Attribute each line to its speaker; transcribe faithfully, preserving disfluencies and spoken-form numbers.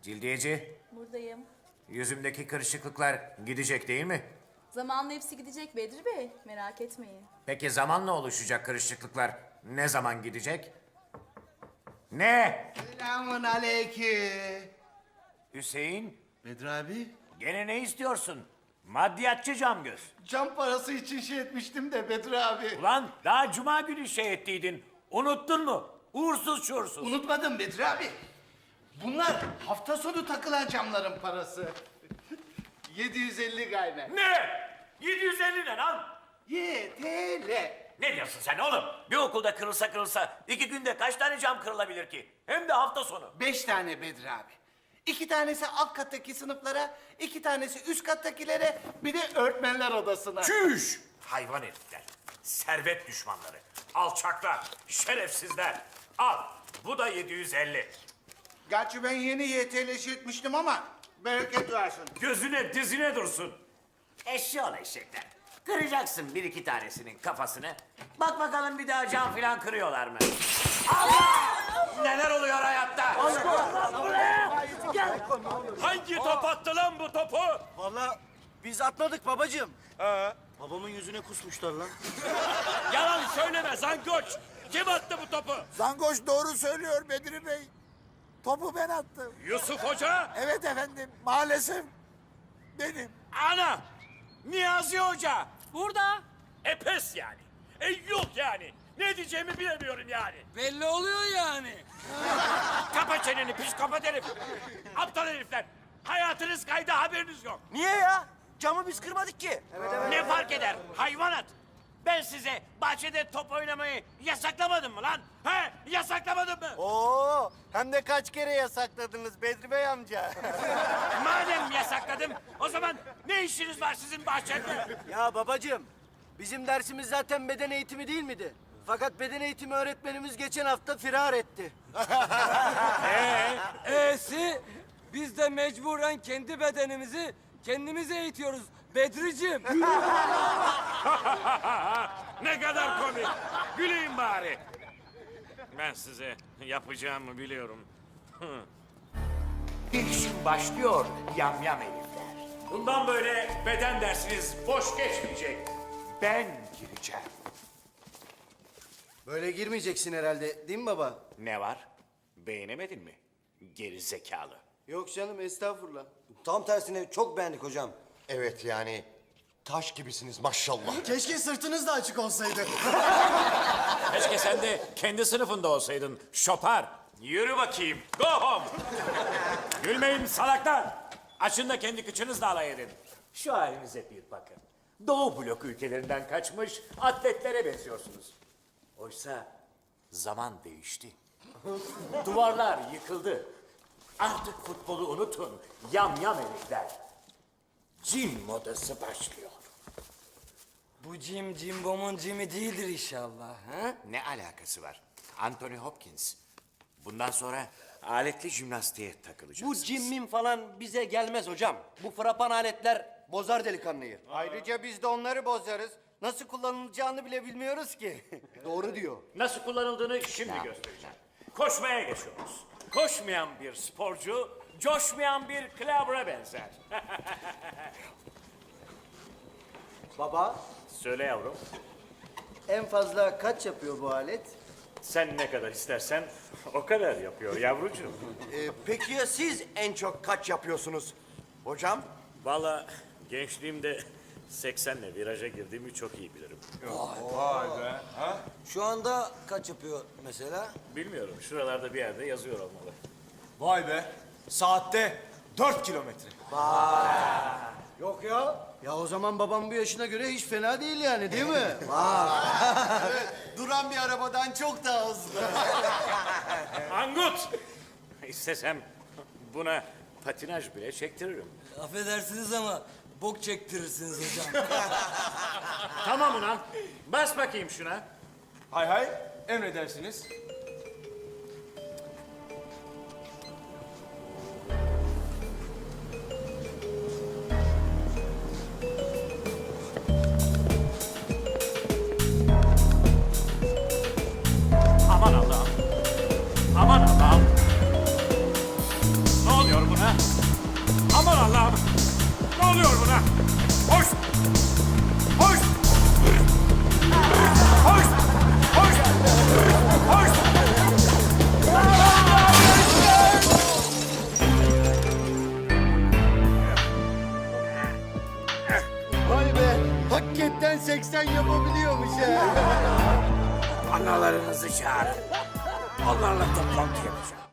Speaker 1: Cildiyeci,
Speaker 2: Buradayım.
Speaker 1: yüzümdeki kırışıklıklar gidecek değil mi?
Speaker 2: Zamanla hepsi gidecek Bedri Bey. Merak etmeyin.
Speaker 1: Peki zamanla oluşacak kırışıklıklar ne zaman gidecek? Ne?
Speaker 3: Selamun aleyküm.
Speaker 1: Hüseyin,
Speaker 3: Bedri abi,
Speaker 1: gene ne istiyorsun? Maddiyatçı camgöz.
Speaker 3: cam parası için şey etmiştim de Bedri abi.
Speaker 1: Ulan daha cuma günü şey ettiydin. Unuttun mu? Uğursuz şuursuz.
Speaker 3: Unutmadım Bedri abi. Bunlar hafta sonu takılan camların parası. yedi yüz elli gayme.
Speaker 1: Ne? yedi yüz elli ne lan?
Speaker 3: Y T L.
Speaker 1: Ne diyorsun sen oğlum? Bir okulda kırılsa kırılsa iki günde kaç tane cam kırılabilir ki? Hem de hafta sonu.
Speaker 3: Beş tane Bedri abi. İki tanesi alt kattaki sınıflara, iki tanesi üst kattakilere, bir de öğretmenler odasına.
Speaker 1: Çüş! Hayvan herifler, servet düşmanları, alçaklar, şerefsizler. Al, bu da yedi yüz elli.
Speaker 3: Gerçi ben yeni Y T L'si etmiştim ama bereket versin.
Speaker 1: Gözüne dizine dursun. Eşşoğlu eşekler. Kıracaksın bir iki tanesinin kafasını. Bak bakalım bir daha cam filan kırıyorlar mı? Allah! Neler oluyor hayatta? Hangi top attı lan bu topu?
Speaker 4: Vallahi biz atmadık babacığım. Ee? Babamın yüzüne kusmuşlar lan.
Speaker 1: Yalan söyleme zangoç. Kim attı bu topu?
Speaker 5: Zangoş doğru söylüyor Bedri Bey. Topu ben attım.
Speaker 1: Yusuf Hoca.
Speaker 5: Evet efendim, maalesef benim.
Speaker 1: Ana! Niyazi Hoca.
Speaker 6: Burada.
Speaker 1: E pes yani. E yok yani. Ne diyeceğimi bilemiyorum yani.
Speaker 6: Belli oluyor yani.
Speaker 1: Kapa çeneni piş kapat herif. Aptal herifler. Hayatınız kaydı haberiniz yok.
Speaker 4: Niye ya? Camı biz kırmadık ki.
Speaker 1: Ne fark eder hayvanat? Ben size bahçede top oynamayı yasaklamadım mı lan? He? Yasaklamadım mı?
Speaker 4: Oo, hem de kaç kere yasakladınız Bedri Bey amca.
Speaker 1: Madem yasakladım o zaman ne işiniz var sizin bahçede?
Speaker 4: Ya babacığım, bizim dersimiz zaten beden eğitimi değil miydi? Fakat beden eğitimi öğretmenimiz geçen hafta firar etti.
Speaker 6: E'si biz de mecburen kendi bedenimizi kendimiz eğitiyoruz Bedriciğim.
Speaker 1: Ne kadar komik. Güleyim bari. Ben size yapacağımı biliyorum. İlişim başlıyor yamyam herifler. Bundan böyle beden dersiniz boş geçmeyecek. Ben gireceğim.
Speaker 4: Böyle girmeyeceksin herhalde, değil mi baba?
Speaker 1: Ne var? Beğenemedin mi? Geri zekalı.
Speaker 4: Yok canım, estağfurullah.
Speaker 7: Tam tersine çok beğendik hocam. Evet yani taş gibisiniz maşallah.
Speaker 4: Keşke sırtınız da açık olsaydı.
Speaker 1: Keşke sen de kendi sınıfında olsaydın. Şopar. Yürü bakayım. Go home. Gülmeyin salaklar. Açın da kendi kıçınızla alay edin. Şu halinize bir bakın. Doğu blok ülkelerinden kaçmış atletlere benziyorsunuz. Oysa zaman değişti. Duvarlar yıkıldı. Artık futbolu unutun. Yam yam herifler. Cin modası başlıyor.
Speaker 6: Bu cim cimbomun cimi değildir inşallah. Ha?
Speaker 1: Ne alakası var? Anthony Hopkins. Bundan sonra aletli jimnastiğe takılacağız.
Speaker 4: Bu cimmim falan bize gelmez hocam. Bu frapan aletler bozar delikanlıyı. Ayrıca biz de onları bozarız. Nasıl kullanılacağını bile bilmiyoruz ki. Doğru diyor.
Speaker 1: Nasıl kullanıldığını şimdi göstereceğim. Koşmaya geçiyoruz. Koşmayan bir sporcu, coşmayan bir klavra benzer.
Speaker 4: Baba,
Speaker 1: Söyle yavrum,
Speaker 4: en fazla kaç yapıyor bu alet?
Speaker 1: sen ne kadar istersen o kadar yapıyor yavrucuğum.
Speaker 7: Ee, peki ya siz en çok kaç yapıyorsunuz hocam?
Speaker 1: Vallahi gençliğimde seksenle viraja girdiğimi çok iyi bilirim.
Speaker 7: Şu anda kaç yapıyor mesela?
Speaker 1: Bilmiyorum, şuralarda bir yerde yazıyor olmalı.
Speaker 8: Vay be. Saatte dört kilometre.
Speaker 4: Yok ya. Ya o zaman babam bu yaşına göre hiç fena değil yani, değil mi?
Speaker 7: Duran bir arabadan çok daha hızlı.
Speaker 1: Angut! İstesem buna patinaj bile çektiririm.
Speaker 6: Affedersiniz ama bok çektirirsiniz hocam.
Speaker 1: Tamam ulan, bas bakayım şuna.
Speaker 8: Hay hay. Emredersiniz.
Speaker 1: Aman Allah'ım. Aman Allah'ım. Ne oluyor buna? Hoş! Hoş! Hoş! Hoş! Hoş!
Speaker 4: Vay be, hakikaten seksen yapabiliyormuş ha.
Speaker 1: Analarınızı çağırın. Onlarla toplantı yapacağım.